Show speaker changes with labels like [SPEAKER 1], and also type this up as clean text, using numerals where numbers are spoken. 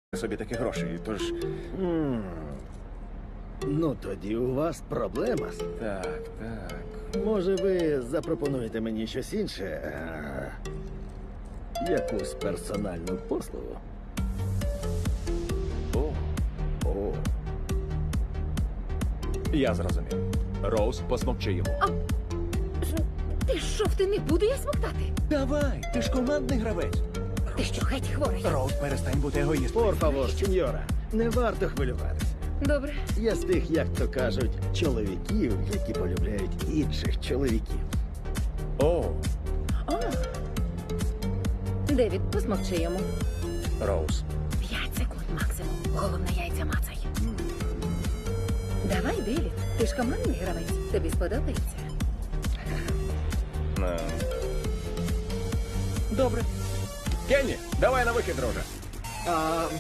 [SPEAKER 1] собі такі гроші, тож...
[SPEAKER 2] Ну, тоді у вас проблема.
[SPEAKER 1] Так.
[SPEAKER 2] Може, ви запропонуєте мені щось інше? Якусь персональну послугу? О.
[SPEAKER 1] Я зрозумів. Роуз, посмокчи йому.
[SPEAKER 3] Ти що, ти не буду я смоктати?
[SPEAKER 1] Давай, ти ж командний гравець.
[SPEAKER 3] Ти що, геть хворий?
[SPEAKER 1] Роуз, перестань бути егоїстом.
[SPEAKER 2] Por favor, сеньора, не варто хвилюватися.
[SPEAKER 3] Добре.
[SPEAKER 2] Я з тих, як то кажуть, чоловіків, які полюбляють інших чоловіків.
[SPEAKER 1] О,
[SPEAKER 3] О. Девід, посмокчи йому.
[SPEAKER 1] Роуз.
[SPEAKER 3] 5 секунд максимум. Головне, яйця мацай. Давай, Девід. Ти ж командний гравець. Тобі сподобається?
[SPEAKER 1] Добре. Кенні, давай на вихід, друже.